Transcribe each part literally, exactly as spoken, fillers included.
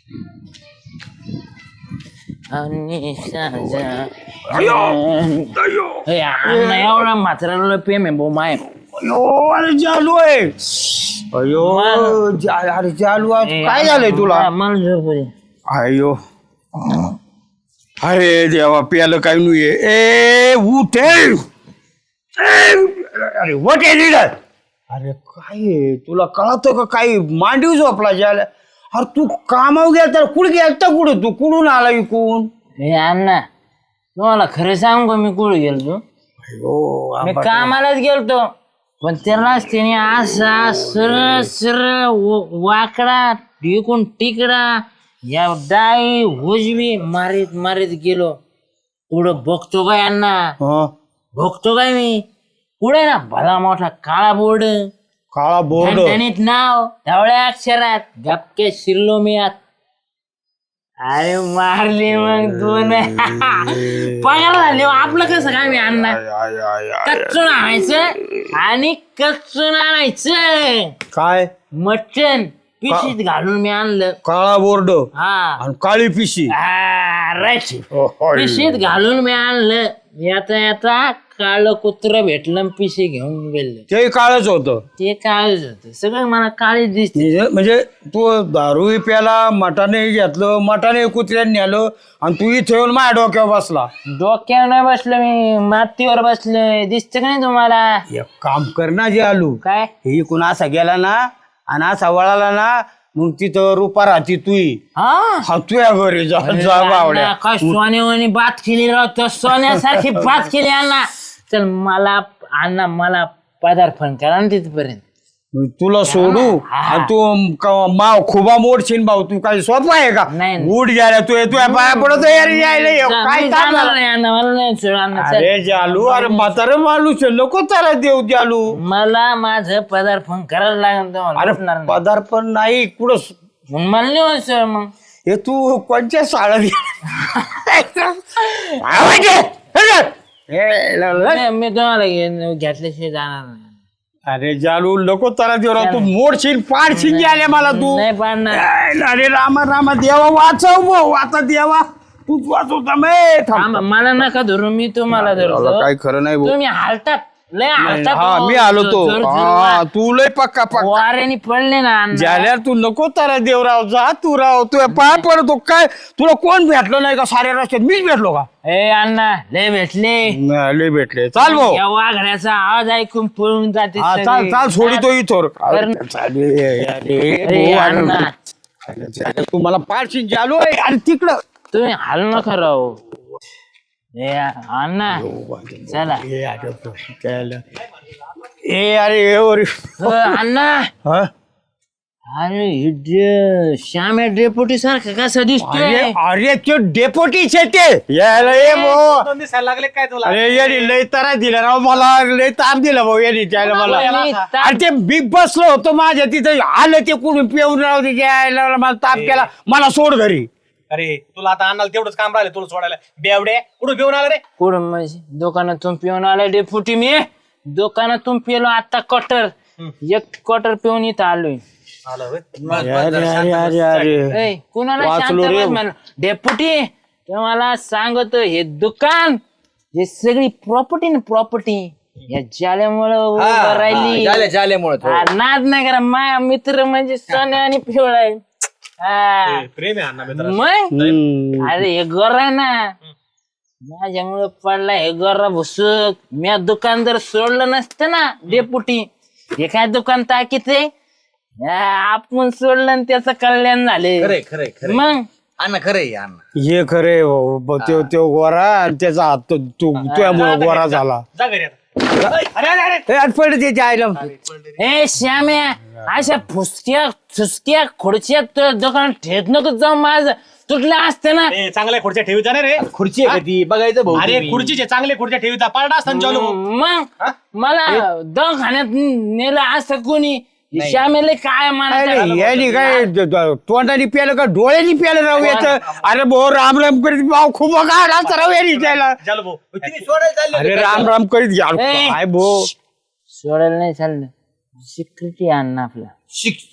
आणि साजा एवढा म्हाताऱ्याला प्रेम आहे भाऊ माय. अयो अरे चालू आहे. अयो जा- अरे चालू आहे. काय झालंय तुला? मला झोप दे. अयो अरे देवा प्यालं काय नाही. ए उठे अरे वटे लिडर. अरे काय आहे? तुला कळतं का काही? मांडीव झोपला ज्याला. अरे तू कामावर गेला तर कुठे गेलता? कुठं तू कुठून आला इकून? हे अण्णा तुम्हाला खरं सांगू का मी कुठे गेलतो? अयो मी कामालाच गेलतो पण त्यालाच त्याने असा सरळ सरळ वाकडा टिकून तिकडा या डाई उजवी मारीत मारीत गेलो. पुढं बघतो काय अण्णा? हं? बघतो काय मी पुढे ना भला मोठा काळा बोर्ड, काळा बोर्ड. ठणठणीत नाव ढवळ्या अक्षरात, गपके शिरलो मी आत. अरे मारले मग दोन. पगार झाले. आपलं कसं काय मी अण्णा? कच्चून आणायचं आणि कच्चून आणायचं. काय मटण पिशीत घालून मी आणलं. काळा बोर्ड हा आणि काळी पिशी. राईट. पिशीत घालून मी आणलं. येता येता काळ कुत्र भेटलं पिशी घेऊन गेलं. ते काळच होतं. ते काळच होत. सगळं मला काळीच दिसते. म्हणजे म्हणजे तू दारू प्याला, मटाने घेतलं, मटाने कुत्र्यांनी आलं आणि तू इथे येऊन माझ्या डोक्यावर बसला. डोक्यावर नाही बसलो मी, मातीवर बसलोय. दिसत का नाही तुम्हाला? एक काम कर ना जे आलू. काय हे इकून असा गेला ना आणि असा वळाला ना मग तिथं रुपा राहती तुई. हा हा तुया घरी जा जा बावड्या. काय सोन्यावानी बात केली राहतो. सोन्यासारखी बात केली अण्णा. चल मला अण्णा मला पदार्पण करा ना तिथपर्यंत. तुला सोडू आणि तू क- माव खुबा मोडशील भाऊ. तू काय सोपं आहे का? नाही. उठ गेला तू तुया पाया पडत यायला यायला काय मी काम जाणार झालं? नाही अण्णा, मला नाही सोड अण्णा. चल. अरे जालू अरे म्हातारं माणूस आहे. नको त्याला देऊ जालू. मला माझं पदार्पण करायला लागेल तुम्हाला. अरे उठणार नाही. पदार्पण नाही कुठं स- मग मला नाही होत सर. मग हे तू कोणत्या शाळेत नाही, मी तुम्हाला घे- घेतल्याशिवाय जाणार नाही. अरे जालू नको त्याला देऊ राव. तू मोडशील पाडशील आले मला तू. नाही पाडणार. अरे रामा रामा देवा वाचव भाऊ. आता देवा तूच वाचवता मे थांबा, मला नका धरू. मी तुम्हाला धरतो. काय खरं नाही भाऊ. तुम्ही हालतात लय हालतात. हा हो. मी आलो तो. जोर- जोर- हा तू लय पक्का पक्का वाऱ्याने पडले ना अण्णा. झाल्या. तू नको त्याला देव राव. जा तू राव. तू पाय पडतो काय? तुला कोण भेटलो नाही का साऱ्या रस्त्यात? मीच भेटलो का? ए अण्णा लय भेटले. नाही, लय भेटले. चाल भाऊ. या वाघण्याचा आवाज ऐकून पळून जाते हा सगळे. चाल चाल सोडितो इथोर. अरे अण्णा तू मला पाडशील जालू. अरे तिकडं तुम्ही हाल नका राहू. ए अण्णा चला. ए अरे ए वर. हो, अण्णा हा? अरे हे डे- श्याम या डेपुटी सारखं कसं अरे दिसतोय? अरे ते डेपोटीच आहे ते. यायला ये भाऊ. दिसायला लागले काय तुला? अरे यांनी लय तारा दिला राव मला. लय ताप दिला भाऊ यांनी त्याला मला. मी ता- अरे ते बिग बसलो होतो माझ्या तिथं. आलं ते कुठून पिऊन राव ते यायला मला ताप केला. मला सोड घरी. अरे तुला आता अन्नाला तेवढंच काम राहिलं तुला सोडायला. बेवडे कुठं घेऊन आला रे? कुठं म्हणजे दुकानातून पिऊन आलाय डेपुटी मी. दुकानातून पिलो आता क्वार्टर. एक क्वार्टर पिऊन इथं आलोय. आलं होय. अरे अरे अरे अरे ए, कुणाला वाचलो शांत रे. बस म्हणलं. डेपुटी तुम्हाला सांगतो हे दुकान हे सगळी प्रॉपर्टी ना प्रॉपर्टी या जाल्यामुळं उभं राहिली. जाल्यामुळे हा, नाद नाही करा. माझा मित्र म्हणजे सोन्या आणि पिवळा आहे. हा. प्रेम आहे अण्णा मित्र. मग अरे हे गोर आहे ना माझ्यामुळे पडला हे गोरा भुसुक. मी दुकान जर सोडलं नसतं ना डेपुटी हे काय दुकान ताकीत आहे. आपण सोडलं आणि त्याचं कल्याण झाले. खरे खरे खरे मग अण्णा खरे अण्णा. हे खरे त्यो त्यो गोरा आणि त्याचा हात तो- तू तुझ्यामुळे गोरा झाला. जा घरी आता. अरे अरे अरे ए, आज पडले त्याच्या आईला. ए श्याम्या अशा फुसक्या फुसक्या खुर्च्या तुझ्या दुकानात ठेत नको जाऊ. माझं तुटलं असतं ना. ए, चांगल्या खुर्च्या ठेवीचा ना रे. खुर्ची आहे कधी बघायचं भाऊ. अरे खुर्चीचे चांगले खुर्च्या ठेवीचा पारडा असताना चालू. मग मला दवाखान्यात नेलं असतं कोणी. श्यामेला काय म्हणायचं. यांनी काय द- द- तोंडाने प्यालं का डोळ्यानी प्यालं राव याचं. अरे भाऊ राम राम करीत भाऊ खूप गाडा राव यांनी त्याला. चालू भाऊ. तुम्ही सोडायला चालले अरे होते राम राम करीत घ्या. ए. काय भाऊ सोडायला नाही चाललं. सिक्युरिटी आणणं आपलं. शिक-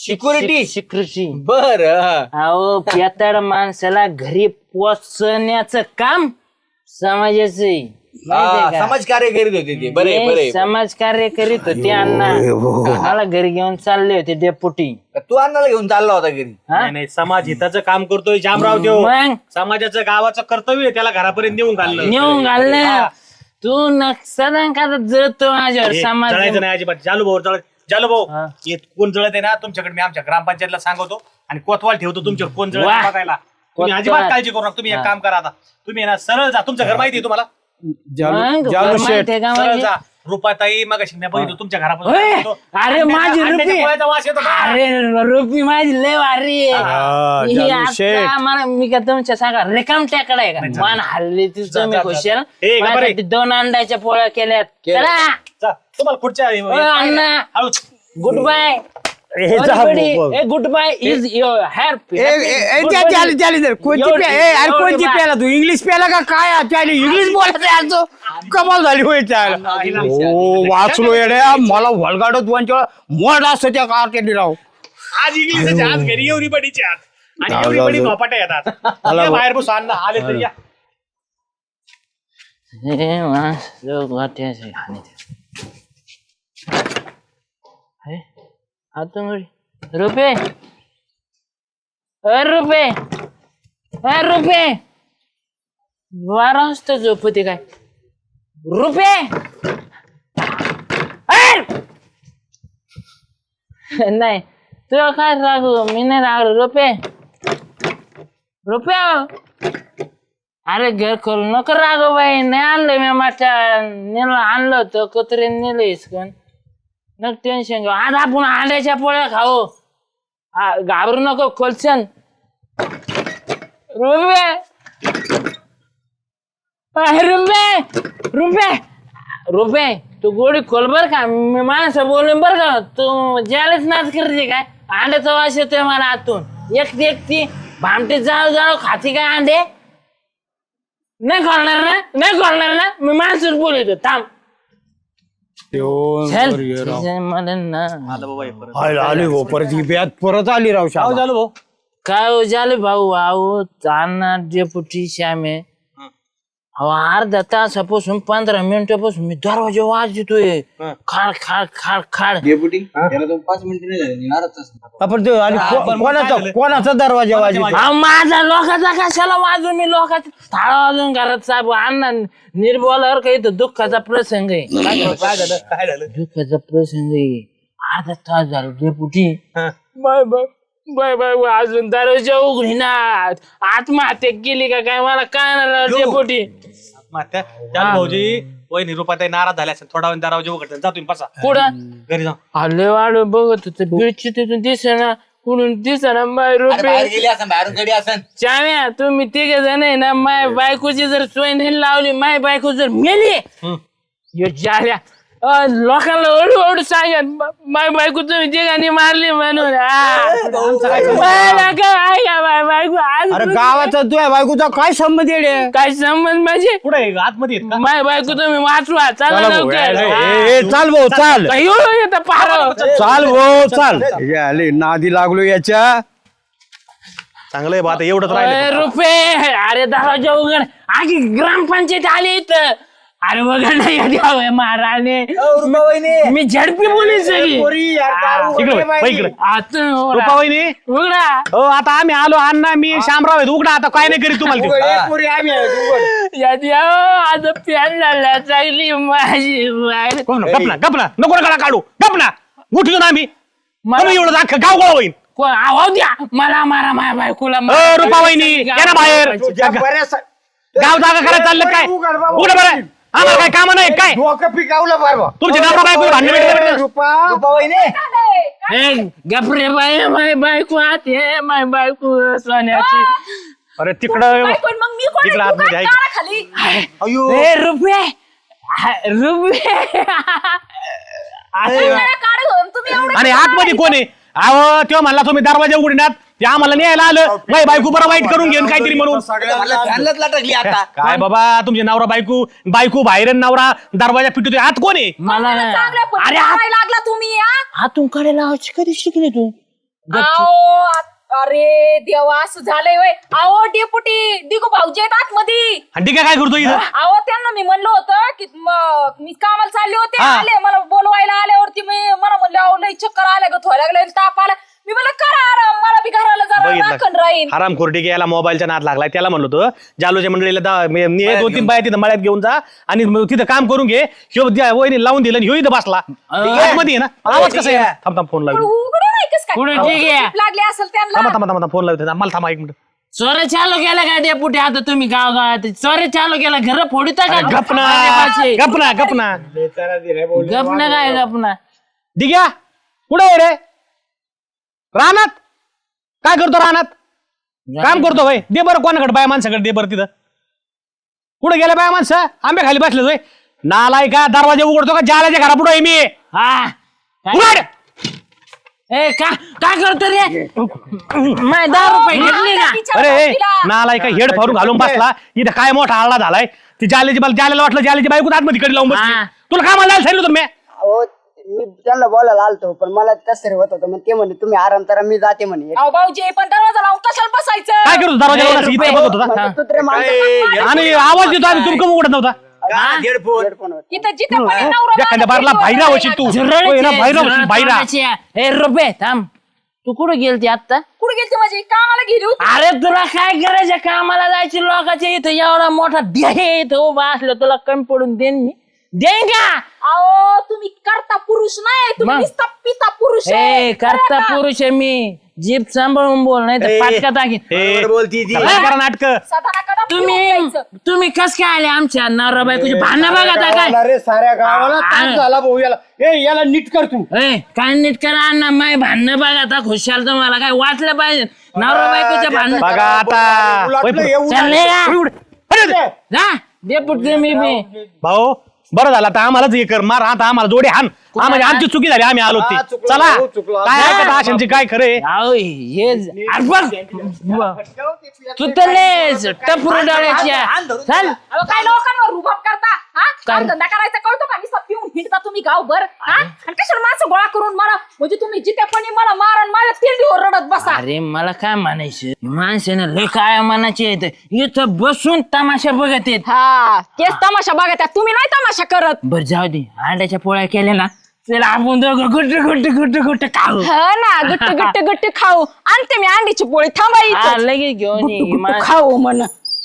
सिक्युरिटी सिक्युरिटी बर अहो पेताड माणसाला घरी पोचण्याचं काम समाजाचं आहे. माहितीये का? समाज कार्य करीत होते ते बरे ते बरे समाज कार्य करीत होते अण्णा मला घरी घेऊन चालले होते डेपुटी. तू अण्णाला घेऊन चालला होता घरी हा? नाही नाही समाज हिताचं काम करतोय जामराव देव मग समाजाचं गावाचं कर्तव्य आहे त्याला घरापर्यंत नेऊन घालणं नेऊन घाललं तू न सदा का जळतो माझ्यावर हे, समाज जळायचं नाही अजिबात जालू भाऊ जळ जालू भाऊ हा. हे कोण जळत आहे ना तुमच्याकडे मी आमच्या ग्रामपंचायतला सांगतो आणि कोतवाल ठेवतो तुमच्यावर कोण जळत वाह. आहे बघायला तुम्ही कोतवाल. अजिबात काळजी करू नका तुम्ही एक काम करा आता तुम्ही ना सरळ जा तुमचं घर माहिती आहे तुम्हाला मग जालू शेठ माहितीये का सरळ म्हणजे? जा रुपाताई मग मी बघितलं तुमच्या होय. घरापासून अरे माझी रुपी पोळ्याचा वास येतो का? अरे रुपी माझी लय भारी आहे. हा, ही जालू आता शेठ. मला मी का तुमच्या सांगा रेकाम टाकड आहे का मान हल्ली ती जा, तुम्ही जा, खुशाल ए, गप्पा रे. माझ्यासाठी दोन अंड्याच्या पोळ्या केल्यात चला जा, तुम्हाला पुढच्या अण्णा. हळूच. गुड बाय हे जा बाबा. Good bye is your happy ए, ए, ए, त्या- त्याला- त्याला दे. कोणची एवढी- प्या- ए, अरे एवढी कोणची बा- प्याला तू इंग्लिश प्याला का काय त्याला इंग्लिश बोलायचं आहे आजचं? कमाल झाली होय त्याला हो वाचलो येड्या मला वळगाडत दोन चार मोड असतं त्या कारकेली राव आज इंग्लिशचे आज घरी एव्हरीबडीचे आज आणि जाऊ, एव्हरीबडी जाऊ. झोपाट्या येतात मला ये बघ. बाहेर बसू अण्णा आले तर या रुपये रुपये रुपये बारा वाजता झोपते काय रुपये नाही तुला काय रागू मी नाही रागलो रुपये रुपये अरे घर करू नको रागो बाई नाही आणलं मी माझ्या नेलं आणलं होतं कत्रे नेलं इसकन नक टेन्शन घेऊ आज आपण अंड्याच्या पोळ्या खाऊ आ, घाबरू नको खोलशन रुपये रुपये रुपये रुपये तू गोडी खोल बर का मी माणसं बोलून बर का तू ज्यालाच नाच करते काय अंड्याचा वास येतोय मला आतून एकटी एकटी भामटे जाळू जाळू खाती काय अंडे नाही खोलणार ना नाही खोलणार ना मी माणसच बोलतो थांब चल मला ना आली आली हो परत ही ब्यात परत आली राव श्यामा. झालं भाऊ काय हो झालं भाऊ आहो ताना डेपुटी श्यामे अहो अर्धा तासापासून पंधरा मिनिटापासून मी दरवाजा वाजतोय खाड खाड खाड खाड डेप्युटी त्याला तो पाच मिनिटं नाही झाले अर्धा तास आपण ते आणि को- पण मग कोणाचा काय झालं? कोणाचा दरवाजा वाजतो अहो माझा लोकांचा कशाला वाजून मी लोकांचा थाळा वाजून घरात साहेब अण्णा निर्बोलावर काही तर दुःखाचा प्रसंग आहे काय झालं काय झालं दुःखाचा प्रसंग आहे अर्धा तास झाला डेपुटी हा. Bye bye bye bye bye अजून दरवाजा उघडी ना आत्महत्या केली का काय मला काय नाही डेपुटी त्या त्या भाऊजी वहिनी रुपाताई नाराज झाल्या असेल थोडा वेळ दरवाजा उघडतात जा तुम्ही बसा कुठं घरी जा आले वाढ बघत होत बिळची तिथून दिसेना कुठून दिसेना माय अरे बाहेर रुपये गेली असं बाहेरून गडी असं चाव्या तुम्ही तिघे जण आहे ना माय बायकोची जर सोय नाही लावली माय बायको जर मेली यो जाल्या अ, लोकांना ओढू ओढू सांगत माय बायको तुम्ही तिघांनी मारली म्हणून आ. मला काय ऐका माय बायको आज अरे गावाचा तुझ्या बायकोचा काय संबंध येडे काय संबंध माझे कुठे आतमध्ये आहेत का? माय बायको तुम्ही वाचवा चला चला भाऊ, लवकर ए, आ. ए, ए, चाल भाऊ चाल काय हो येतं पार चाल भाऊ चाल हे आले नादी लागलो याच्या चांगलं आहे बा आता एवढंच अरे राहिलं रुपये अरे दरवाजा उघड आगी ग्रामपंचायत आली इथं अरे वगैरे नाही महाराणे मी झडपी बोली सगळी इकडे वळ, इकडे आता रुपा वहिनी उघडा हो आता आम्ही आलो अण्णा मी शामराव आहेत उघडा आता काय नाही करीत तुम्हाला ते. यादी आता प्यान झाला चांगली माझी बाई. गपना गपना नको नका काढू गपना उठलो ना आम्ही मला- मला एवढं अख्खं गाव गोळा होईल कोण आवाज द्या मला मारा माझ्या बायकोला अ, रुपा वहिनी या ना बाहेर गाव जागा करायला चाललं काय उघडं बरं आम्हाला काय काम नाही काय डोकं पिकावलं बरं तुमचे नवरा बायको भांडण भेटले ए, गपरे बाई माय बायको आत हे माय बायको सोन्याची अरे तिकडं पण मग मी कोण इकडं आहे? तू आतमध्ये काय आहे. दारा खाली अयो ए रुपये हा, रुपये मला काढ घेऊन तुम्ही एवढं आणि आतमध्ये कोण आहे अहो तेव्हा म्हणला तुम्ही दरवाजा उघडणार ते आम्हाला न्यायला आलं माझी बायको बरं वाईट करून घेऊन काहीतरी म्हणून फॅनलाच लटकली आता काय बाबा तुमचे नवरा बायको बायको बाहेर आणि नवरा दरवाजा पिटू आत कोण आहे मला चांगल्या अरे पद्धतीने हात लागला तुम्ही हा? हातून कडे लावायची कधी शिकली तू आओ आ- अरे देवा असं झालंय वय आओ डेपुटी दिगू भाऊजी आहेत आतमध्ये. आणि ठीक आहे काय करतो इथं अहो त्यांना मी म्हणलं होतं की म- मी कामाला चालले होते हा. आले मला बोलवायला आल्यावरती मी मला म्हणलं अहो लई चक्कर आल्या ग थोड्या लागले ताप आला. मी म्हणलं करा आराम मला बी घराला जरा राखण राहील. हराम खोरटी याला मोबाईलचा नाद लागलाय त्याला म्हणलो होतो जालोच्या मंडळीला दा- मी- मी एक दोन तीन बाया तिथं मळ्यात घेऊन जा आणि मग तिथं काम करून घे ह्यो द्या- वहिनी लावून दिलं आणि ह्यो इथं बसला मध्ये ना आवाज कसा आहे थांब थांब फोन लावतो उघडं नाही कस काय पुढे अहो, ठीक आहे. झोप लागली असेल त्यांना. थांबा थांबा थांबा फोन लावतो मला थांबा एक मिनिट चोरे चालू केला का डेपुटी आता तुम्ही गाव गावात चोरे चालू केला घर फोडता का गपना पाचे. गपना गपना गपना काय गपना दिग्या कुठे आहे रे रानात काय करतो रानात काम करतो भाई दे बरं कोणाकडे बाय माणसाकडे दे बरं तिथं कुठे गेले बाय माणसं आंबे खाली बसले होय नालाय का दरवाजे उघडतो का जाल्याच्या घरा पुढे आहे मी हा काय- उघड ए का काय करतो रे माय दहा रुपये घेतली का तिच्या अरे ए, बाजूला. नालाय का हेड फारून घालून बसला इथं काय मोठा आळा झालाय ती जाल्याची मला जाल्याला वाटलं जाल्याची बायको आतमध्ये कडे लावून बसली हा. तुला काय मला सांगितलं होतं मी अहो मी त्यांना बोलायला आलतो पण मला कसं रे होत होतं मग ते म्हणे तुम्ही आराम करा मी जाते म्हणे अहो भाऊजी पण दरवाजा लावून कशाला बसायचं. काय करतो दरवाजा लावून असं इथं बघत होता मग कुत्रे माणसं आणि आवाज देतो आम्ही तुमकं उघडत नव्हता हेडफोन हेडफोन तिथं जिथे पण नवरा एखाद्या बारला बायको बाहेर होशील तू होय ना, बाहेर होशील बाहेर ए रुपये थांब तू कुठं गेलती आता कुठे गेलती माझी कामाला गेली होती. अरे तुला काय करायचं कामाला जायची लोकांच्या इथं एवढा मोठा ध्येय इथं उभा असलं तुला कमी पडून देईन मी देईन का अहो तुम्ही करता पुरुष नाही तुम्ही मग? नुसता पिता पुरुष आहे. ए करता कळलं का? पुरुष आहे मी जीप सांभाळून बोल नाही तर पाटका टाकीन ए, बोलती ती करा नाटक सदाना कदा तुम्ही पिऊन जायचं. तुम्ही कस काय आले आमच्या नवरा बायकोची भांडणं बघा आता काय अरे साऱ्या गावाला आ- ताप झाला भाऊ याला ए याला नीट कर तू ए काय नीट करा अण्णा माय भांडणं बघा आता खुशाल तुम्हाला काय वाटलं पाहिजे नवरा बायकोच्या भांडणं बघा आता उलटलं होय, एवढं. चालले का अरे, जा डेपुट मी बी भाऊ बरं झालं आता आम्हालाच हे कर मार आता आम्हाला जोडे हान हा, म्हणजे आमची चुकी झाली आम्ही आलो ती हा, चुकलो, चला भाऊ, चुकलो. काय ऐकत आशांची काय खरे अहो, हे ज- अरे बघ तू तर लयच टपरू डाळ्याच्या चल अहो, काय लोकांवर रुबाब करता हा काम धंदा करायचा कळतो का नुसता पिऊन हिंडता तुम्ही गावभर हा आणि कशाला माणसं गोळा करून मला म्हणजे तुम्ही जिथे पण मला मारण माझ्या तिंडीवर रडत बसा. अरे मला काय म्हणायचं माणसानं लय काय म्हणायचे येत इथं बसून तमाशा बघत येत हा तेच तमाशा बघा त्या तुम्ही नाही तमाशा करत. बर जाऊ दे अंड्याच्या पोळ्या केल्या ना चला आपण दोघं गुट्ट गुट्ट गुट्ट गुट्ट खाऊ ह ना गुट्ट गुट्ट गुट्ट खाऊ आणते मी अंडीची पोळी हा, थांबाई लगेच घेऊन ये. मा- खाऊ म्हण.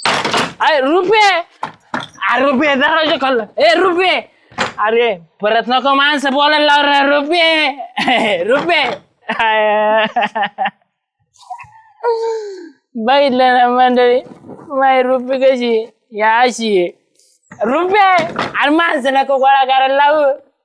अरे रुपये अरे रुपये दरवाजा खाल्लं ए रुपये अरे परत नको माणसं बोलायला लाव रे रुपये रुपये बघितलं ना मंडळी माय रुपये कशी या अशी आहे. रुपये अरे माणसं नको गोळा करायला लावू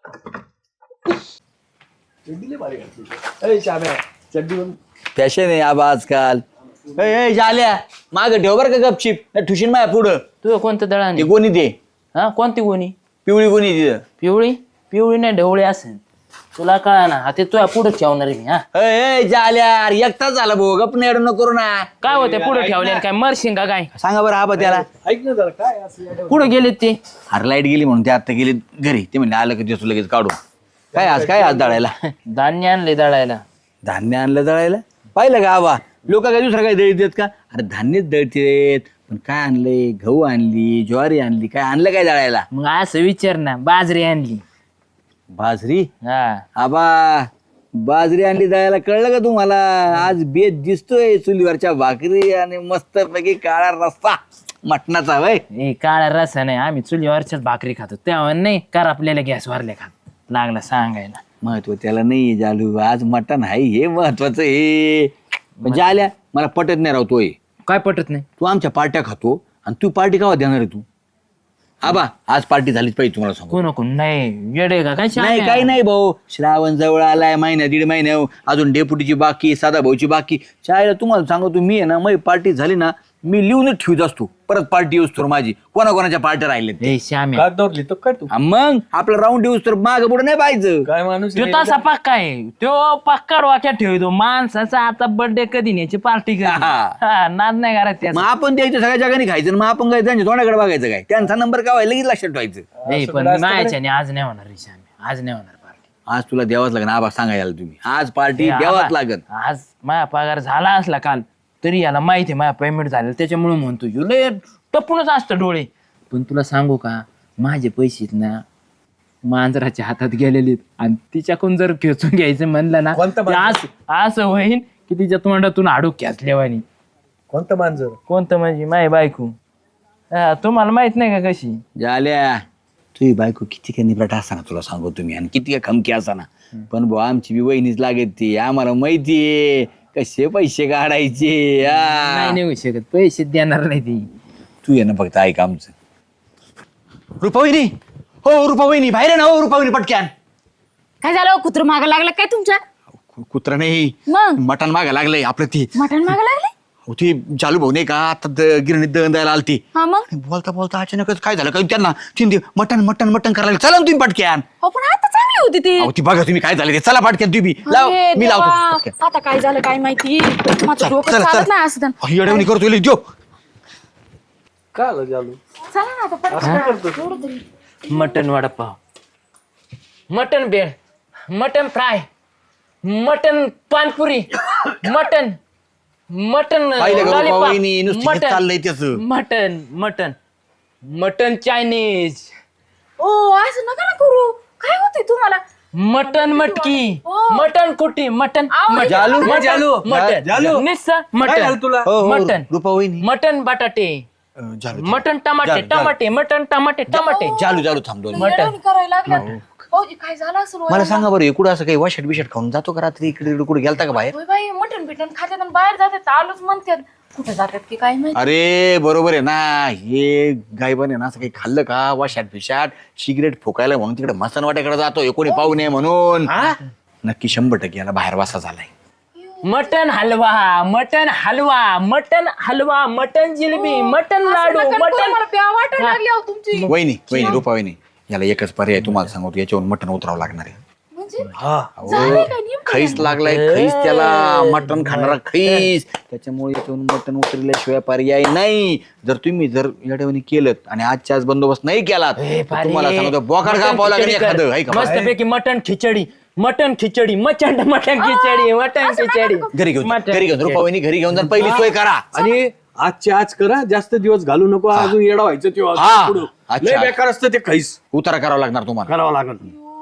फॅशन आहे आबा आजकाल ए, ए, झाल्या माग ठेव बरं का गपचिप ठुशीन माया पुढं तू कोणतं दळण ते कोणी ते हा कोणती कोणी पिवळी कोणी तिथं पिवळी पिवळी नाही ढवळी असेल तुला कळा ना ते तुझ्या पुढे ठेवणार आहे मी हा ए, ए झाल्या एकटाच झाला भाऊ गप नाही न करू ना काय होते पुढे ठेवले काय मरशिंग का काय सांगा बरं आबा त्याला कुठे गेले ते अरे लाईट गेली म्हणून ते आता गेले घरी ते म्हणले आलं की दिसू लगेच काढू काय आज काय आज दळायला धान्य आणले दळायला धान्य आणलं दळायला पाहिलं का आबा लोक काय दुसरं काय दळीत का अरे धान्यच दळतेत पण काय आणलंय गहू आणली ज्वारी आणली काय आणलं काय दळायला मग असं विचार ना बाजरी आणली बाजरी हा आबा बाजरी आणली दळायला कळलं का तुम्हाला आज बेत दिसतोय चुलीवरच्या भाकरी आणि मस्त पैकी काळा रस्ता मटणाचा वय ए काळा रसा नाही आम्ही चुलीवरच्याच भाकरी खातो तेव्हा नाही कर आपल्याला गॅस वरले खात लागला सांगायला महत्व त्याला नाही जालू आज मटण आहे हे महत्वाचं हे म्हणजे आल्या मला पटत नाही राहतोय काय पटत नाही तू आमच्या पार्ट्या खातो आणि तू पार्टी कावा देणार आहे तू आबा आज पार्टी झालीच पाहिजे तुम्हाला सांगू कोण कोण नाही येडे का काय नाही काही नाही भाऊ श्रावण जवळ आलाय महिना दीड महिन्या अजून डेपुटीची बाकी साधा भाऊची बाकी चायला तुम्हाला सांगतो मी आहे ना मग पार्टी झाली ना मी लिहूनच ठेवत असतो परत पार्टी येऊस तर माझी कोणाकोणाच्या पार्ट्या राहिल्यात ए श्याम्या हा, मग आपला राऊंड येऊस तर माग पुढे नाही पाहिजे काय माणूस तो तसा पक्का आहे तो पक्का वाक्यात ठेवतो माणसाचा आता बर्थडे कधी न्यायची पार्टी कधी हा. हा, नाद नाही करत मग त्याचा आपण द्यायचं सगळ्या जगाने खायचं आणि मग आपण काय त्यांच्या तोंडाकडे बघायचं काय त्यांचा नंबर काय व्हायला लगेच लक्षात ठेवायचं ए पण मायाच्याने आज नाही होणार रे श्याम्या आज नाही होणार पार्टी आज तुला द्यावाच लागेल आबा सांगायला तुम्ही आज पार्टी हे द्यावाच आबा, लागेल. आज माझा पगार झाला असला काल तरी याला माहिती आहे माझा पेमेंट झालं त्याच्यामुळे म्हणतो ह्यो लय टपूनच असतं डोळे. पण तुला सांगू का माझे पैसे आहेत ना मांजराच्या हातात गेलेले आणि तिच्याकडून जर खेचून घ्यायचं म्हणलं ना कोणतं ते असं असं होईन की तिच्या तोंडातून हाडू खेचल्यावानी. कोणतं मांजर? कोणतं म्हणजे माय बायको हा, तुम्हाला माहित नाही का कशी झाल्या तुझी बायको किती काय निपराट असा ना तुला सांगू तुम्ही आणि किती काय खमकी असा ना पण भाऊ आमची बी वहिनीच लागत ती आम्हाला माहितीये कसे पैसे काढायचे आ. नाही निघू शकत पैसे देणार नाही ती. तू ये ना फक्त ऐक आमचं. रुपावहिनी हो रुपावहिनी बाहेर आहे ना हो रुपावहिनी पटक्यान. काय झालं कुत्र मागा लागलं काय तुमच्या? कुत्रा नाही मग मटण मागा लागलंय आपलं ती मटण मागा लागले? ती चालू भाऊ नाही का आता द- गिरणीत दळण द्यायला आलती. हा मग बोलता बोलता अचानकच काय झालं काय त्यांना तीन मटन मटन मटन करायला लागले. चला ना तुम्ही पटक्यान. हो पण आता चांगली होती ती. अहो ती बघा तुम्ही काय झाले ते चला पटक्यान तुम्ही लाव अरे मी देवा, लावतो पटक्यान. आता काय झालं काय माहिती माझं डोकं चला, चालत चला. नाही असं अहो, येड्यावानी करतो इले, देव चला ना आता पटकन. एवढं तरी. मटन वडापाव मटन बेळ mutton fry mutton pani puri mutton mutton पाहिलं का लॉलीपॉप, रुपावहिनी नुसतं हे मटन चाललंय त्याचं. मटन मटन मटन चायनीज ओ असं नका ना करू. काय होते तुम्हाला? मटन मटकी मटन कुटी मटन आहो, मटन जालू, मटन, जालू. मटन जालू. निस्सा काय मटन झालं तुला? हो, हो, मटन रुपावहिनी मटन बटाटे अं, झालं, झालं. मटन टमाटे जालू, जालू. टमाटे मटन टमाटे टमाटे चालू चालू थांब दोन मिनिटं. येड्यावानी करायला लागल्या. हो काय झालं असं मला सांगा बरं इकडं असं काही वाशट बिशट खाऊन जातो का रात्री इकडे इकडे कुठे गेलता का बाहेर? होय बाई मटण बिटन खात्यात आणि बाहेर जातात आलोच म्हणतात. कुठे जातात की काय माहिती. अरे बरोबर आहे ना हे गायबन आहे ना असं काही खाल्लं का वाशाट बिशाट सिगरेट फुकायला म्हणून तिकडे मसन वाट्याकडे जातो कोणी पाहू नये म्हणून. नक्की शंभर टक्के याला बाहेर वासा झालाय. Mutton halwa mutton halwa mutton halwa mutton jalebi mutton laddu नका करू, मटन मला प्या वाटायला लागली अहो तुमची. वहिनी वहिनी रुपा वहिनी याला एकच पर्याय तुम्हाला सांगतो याच्यावरून मटण उतरावं लागणार आहे. म्हणजे अहो, झालंय काय नेमकं? खैस लागलाय खैस त्याला मटण खाणारा खैस त्याच्यामुळे याच्यावरून मटण उतरल्याशिवाय पर्याय नाही. जर तुम्ही जर याच्यावर केलं आणि आजच्या आज बंदोबस्त नाही केलात तर तुम्हाला सांगतो बोकाड कापावं लागेल एखादं आहे का? मस्त पैकी mutton khichdi mutton khichdi mutton mutton khichdi mutton khichdi घरी घेऊन जा, मटण घरी घेऊन रुपा वहिनी घरी घेऊन जा पहिली सोय करा. आणि आजचे आज करा जास्त दिवस घालू नको अजून येडा व्हायचं तेव्हा हा. अजून पुढं. अच्छा. लय बेकार असतं ते खैस उतारा करावा लागणार तुम्हाला. करावं लागल.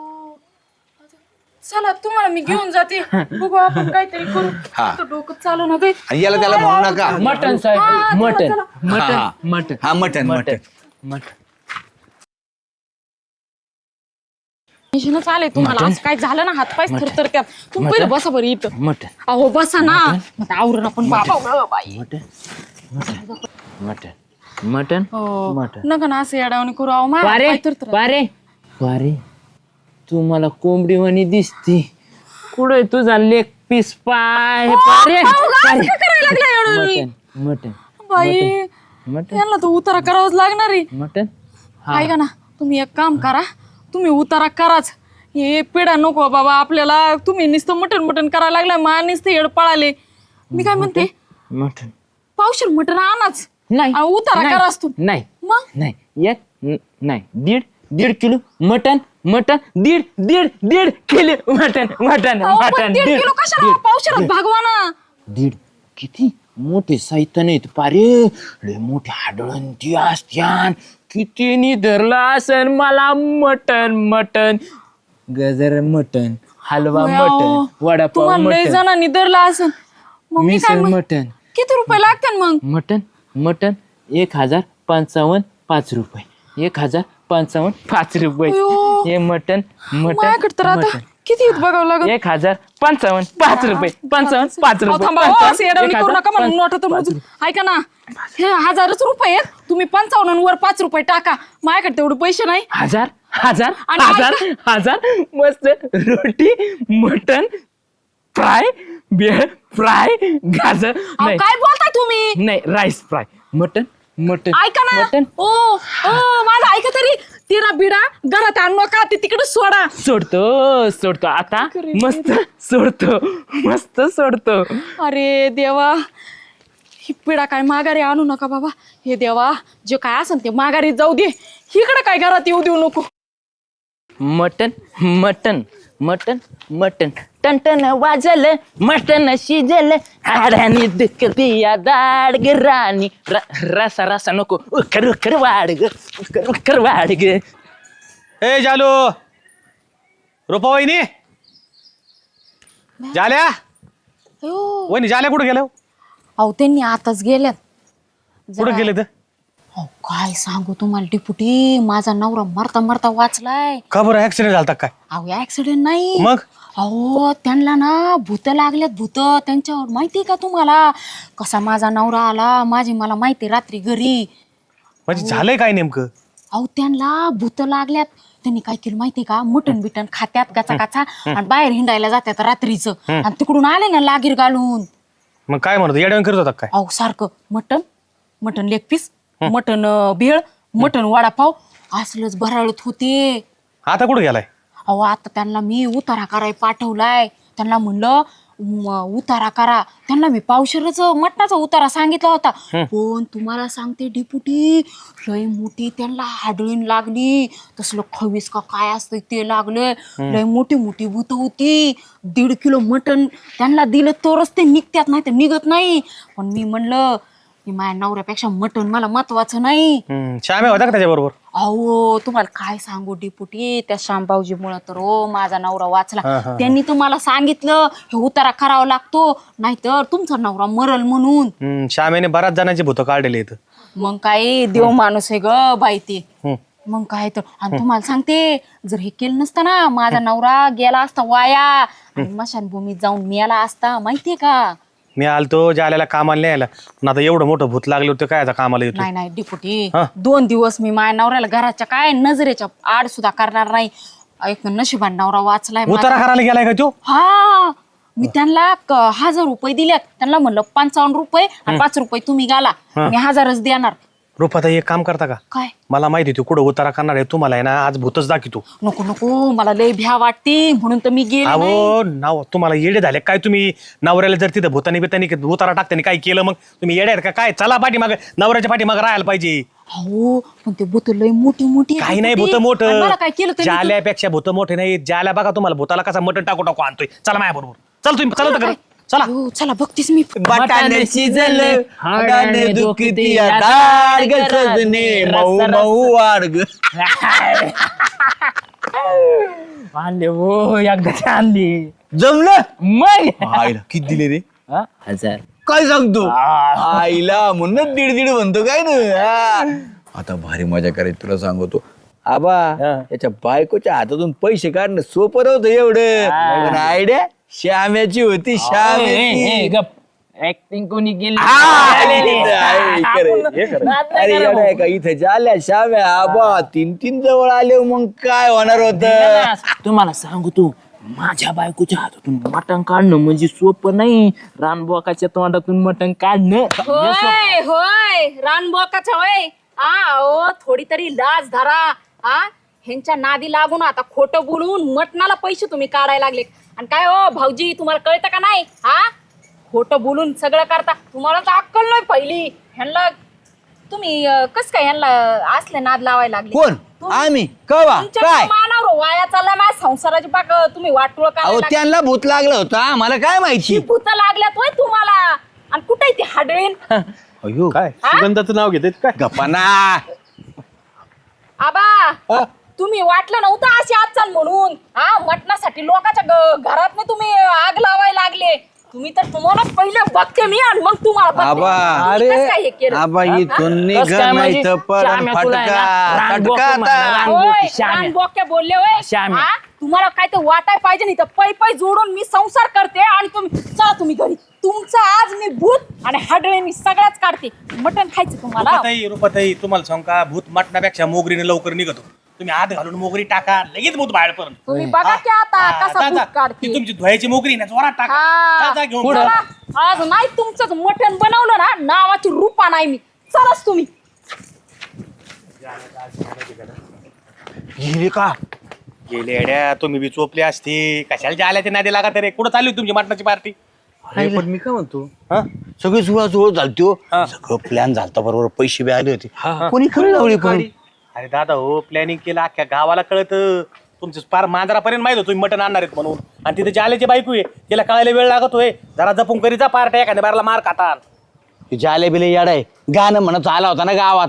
चला तुम्हाला मी घेऊन जाते. बघू आपण काहीतरी करू. हा. आता डोकं चालू ना काही. आणि याला त्याला म्हणू नका. मटन साहेब मटन हा, मटन हा. मटन हा मटण मटण मटन टेन्शनच आलंय तुम्हाला. असं काय झालं ना हातपाय थरथर त्यात. तुम्ही पहिलं बसा बरं इथं. मटन अहो बसा ना. मग आवरून आपण बाबा गं बाई. मटन मटन हो. मटन नका ना असं येडावणी करू. अहो माझ्या वारे हातपाय थरथर. वारे वारे तू मला कोंबडी वाणी दिसती कुठे तुझा लेग पीस पाय पारे अहो, असं का करायला लागलाय येडावणी? मटन मटन बाई मटन यांना तर उतारा करावाच लागणार आहे. मटन ऐका ना तुम्ही एक काम करा. तुम्ही उतारा कराच. हे पिढा नको बाबा आपल्याला. तुम्ही नुसतं मटण मटण करायला लागला मा नुसतं येड पळाले. मी काय म्हणते मटन पावशेर मटण आणाच. नाही आणि उतारा नाही, कराच तू. नाही मग नाही एक न- नाही दीड दीड किलो मटन मटन दीड दीड दीड किलो मटन मटन अहो, पण मटन दीड किलो कशाला पावशेरात भागवा ना. दीड किती मोठे साहित्य नाहीत पारे लय मोठे हाडळंती असत्यान किती नि धरला असन मला मटन मटन गजर मटन हलवा होय, अहो. मटन वडापाव तुम्हाला लय मटन जणांनी धरला असेल. मग मी काय मिसळ म्हण- मटन किती रुपये लागतात मग? मटन मटन एक हजार पंचावन्न पाच रुपये एक हजार पंचावन्न पाच रुपये अयो. हे मटन मटन माझ्याकडे तर आता मटन. किती आहेत बघावं लागत. एक हजार पंचावन्न पाच रुपये पंचावन्न पाच अहो, रुपये थांबा, हो, पंचावन्न, असं येड्यावानी एक करू हजार, नका म्हणून पंच- नोटा तर पाच मोजून. ऐका ना हे हजारच रुपये आहेत. तुम्ही पंचावन्न आणि वर पाच रुपये टाका. माझ्याकडे तेवढे पैसे नाही. हजार हजार आणि हजार हजार मस्त रोटी मटन फ्राय बेळ फ्राय गाजर अहो, नाही काय बोलताय तुम्ही? नाही राईस फ्राय मटन मटन ऐका ना मटन ओ ओ माझं ऐका तरी. तिरा बिडा घरात आणू नका. ते तिकडे सोडा. सोडतो सोडतो आता मस्त सोडतो मस्त सोडतो अरे देवा ही पिढा काय माघारी आणू नका बाबा. हे देवा जे काय असेल ते माघारी जाऊ दे. इकडे काय घरात येऊ देऊ नको. मटन मटन मटन मटन टनटन वाजल मटन शिजल हाडानी दुखती या दाड ग राणी र- रसा रसा नको उकर उकर वाढ ग उकर उकर वाढ ग. ए जालू रुपा वहिनी जाल्या वहिनी जाल्या कुठे गेल्या अहो त्यांनी आताच गेल्यात. कुठे जरा- गेले तर अहो काय सांगू तुम्हाला डिपुटी, माझा नवरा मरता मरता वाचलाय. का बरं ऍक्सिडेंट झालता काय अहो ऍक्सिडेंट नाही. मग अहो त्यांना ना भूत लागल्यात भूत त्यांच्यावर. माहितीये का तुम्हाला कसा माझा नवरा आला, माझी मला माहिती रात्री घरी. म्हणजे झालंय काय नेमकं अहो त्यांना भूत लागल्यात. त्यांनी काय केलं माहितीये का, मटण बिटन खात्यात गाचा गाचा आणि बाहेर हिंडायला जात्यात रात्रीचं आणि तिकडून आले ना लागीर घालून. मग काय म्हणतो येड्यावर करत होता काय अहो सारखं mutton mutton leg piece mutton भेळ मटण वडापाव असलंच भराळत होते. आता कुठे गेलाय अहो आता त्यांना मी उतारा कराय पाठवलाय. त्यांना म्हणलं म, उतारा करा. त्यांना मी पावशेरच मटणाचा उतारा सांगितला होता. पण तुम्हाला सांगते डिपुटी, लय मोठी त्यांना हाडळीन लागली. तसलं खवीस का काय असतं ते लागलं. लय मोठी मोठी भूत होती. दीड किलो मटण त्यांना दिलं तरच ते निघतात, नाही तर निघत नाही. पण मी म्हणलं की माझ्या नवऱ्यापेक्षा मटण मला महत्वाचं नाही. हम्म, श्याम्या होता का त्याच्याबरोबर अहो तुम्हाला काय सांगू डिपुटी, त्या श्यामबावजीमुळं तर हो माझा नवरा वाचला. त्यांनी तुम्हाला सांगितलं हे उतारा करावा लागतो, नाहीतर तुमचा नवरा मरल म्हणून. हम्म, श्याम्याने बऱ्याच जणांची भूतं काढलेली आहेत मग काय देव माणूस आहे ग बाई ते. मग काय तर. आणि तुम्हाला सांगते, जर हे केलं नसतं ना माझा नवरा गेला असता वाया आणि मशानभूमीत जाऊन मेला असता. माहितीये का. मी आलतो जाल्याला कामाला न्यायला, पण आता एवढं मोठं भूत लागलं होतं काय आता कामाला येतो नाही नाही डिपुटी, हा. दोन दिवस मी माझ्या नवऱ्याला घराच्या काय नजरेच्या आड सुद्धा करणार नाही. एक नशिबान नवरा वाचलाय माझा. उतारा करायला गेलाय का तो हा मी त्यांना क- हजार रुपये दिल्यात. त्यांना म्हणलं पंचावन्न रुपये आणि पाच रुपये तुम्ही घाला, मी हजारच देणार. रुपाता एक काम करता का, काय मला माहिती आहे तू कुठं उतारा करणार आहे, तुम्हाला आहे ना आज भूतच दाखवतो. नको नको, मला लय भ्या वाटते म्हणून तर मी गेले नाही. अहो नाव तुम्हाला येडे झाले काय तुम्ही, नवऱ्याला जर तिथं भूतानी बितानी उतारा टाकतानी काय केलं मग तुम्ही येडे आहेत का काय. चला पाठीमाग नवऱ्याच्या पाठीमाग राहायला पाहिजे. हो पण ते भूत लय मोठी मोठी आहेत काही नाही होती. भूत आणि मोठं, मला काय केलं त्यांनी? जाल्यापेक्षा भूत मोठे नाही. जाल्या बघा तुम्हाला भूताला कसा मटण टाकू टाकू आणतोय. चला माझ्या बरोबर चल तुम्ही चला तर चला. हो, चला बघतीस मी. बटाने शिजले हाडाने दुखती या दाड ग सजने मऊ मऊ वाढ ग. आणले हो एकदा आणली जमलं मग आईला किती दिले रे, हा? हजार. काय सांगतो आईला म्हणून दीड दीड म्हणतो काय ना. हा. आता भारी मजा करायची तुला सांगतो आबा. त्याच्या बायकोच्या हातातून पैसे काढणं सोपं नव्हतं एवढं, पण आयडिया श्याम्याची होती. श्याम्याची ऍक्टिंग कोणी केली अरे येडा का इथे झाल्या श्याम्या आबा तीन तीन जवळ आले मग काय होणार होत. तुम्हाला सांगू तू, माझ्या बायकोच्या हातातून मटण काढणं म्हणजे सोपं नाही. रानबोकाच्या तोंडातून मटण काढणं होय होय रानबोकाच्या होय. हा ओ थोडी तरी लाज धरा. हा ह्यांच्या नादी लागून आता खोटं बोलून मटणाला पैसे तुम्ही काढायला लागले. आणि काय हो भाऊजी, तुम्हाला कळतं का नाही. हा खोटं बोलून सगळं करता. तुम्हाला तर अक्कल नाही पहिली. ह्यांना तुम्ही कस काय ह्यांना असले नाद लावायला लागले. कोण आम्ही कवा तुमच्या काय मानावर वाया चालला माझ्या संसाराची पाक तुम्ही वाटोळ अहो करायला त्यांना भूत लागलं होतं आम्हाला काय माहिती. भूत लागल्यात होय तुम्हाला. आणि कुठे ती हाडळीन. अयो काय सुगंधाचं नाव घेतात काय गप्पाना आबा तुम्ही वाटलं नव्हतं अशी आजचाल म्हणून. हा मटणासाठी लोकांच्या ग- घरात नाही तुम्ही आग लावायला लागले. तुम्ही तर तुम्हाला पहिले बघते मी आणि मग तुम्हाला बघते. आबा तुम्ही कसं काय हे केलं? आबा इथून निघ कसं काय नाही म्हणजे? तर पण श्याम्या तुला आहे ना, फटका रानबोकं फटका म्हणलं, आता. रानबोकं. होय, श्याम्या. रानबोक्या बोलले होय. श्याम्या. हा? तुम्हाला काय तर वाटाय पाहिजे नाही तर पै पै जोडून मी संसार करते आणि तुम्ही चला तुम्ही घरी. तुमचं आज मी भूत आणि हाडळे मी सगळ्याच काढते. मटण खायचं तुम्हाला. रुपाताई रुपाताई तुम्हाला सांग का, भूत मटणापेक्षा मोगरीने लवकर निघतो. तुम्ही हात घालून मोगरी टाका लगेच भूत बाहेर पडून. तुम्ही बघा की आता कसा भूत काढते. ती तुमची धुवायची मोगरी ना जोरात टाका. हा. जा, जा, घेऊन पुढं. जा. चला, आज नाही तुमचं मटण बनवलं ना नावाची रूपा नाही मी. चलाच तुम्ही. गेले का गेले अड्या, तुम्ही बी चोपले असते कशाला जायला ते नादी लागा तरी. कुठं चालली होती तुमची मटणाची पार्टी. अरे पण मी काय म्हणतो, सगळी सुळा जुळ झालतो सगळं प्लॅन झालता बरोबर. पैसे बी आले होते कोणी खरं लावली पण. अरे दादा हो प्लॅनिंग केलं अख्ख्या गावाला कळत. तुमचं पार मांजरापर्यंत माहित होतं तुम्ही मटण आणणार आहेत म्हणून. आणि तिथे जालेची बायको आहे, तिला कळायला वेळ लागतोय. जरा जपून करी जा पार्ट्या, एखाद्या बाराला मार खाता. जाले बिले याडाय गाणं म्हणत आला होता ना गावात.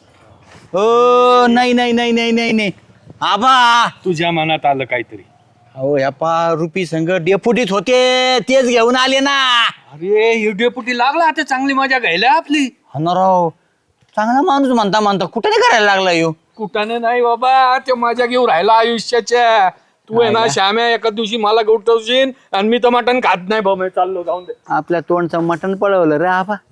ओ नाही नाही नाही नाही नाही नाही आबा, तुझ्या मनात आलं काहीतरी. अहो ह्या पा रुपी संघ डेपुटीत होते, तेच घेऊन आले ना. अरे ही डेपुटी लागला आता चांगली मजा घ्यायला आपली. राव चांगला माणूस म्हणता म्हणता कुठे नाही करायला लागला यो. कुठाने नाही बाबा, ते मजा घेऊन राहिला आयुष्याच्या. तू आहे ना श्याम्या, एका दिवशी मला गवटवशील आणि मी तर मटण खात नाही भाऊ, मी चाललो जाऊन दे. आपल्या तोंडचं मटण पळवलं रे आबा.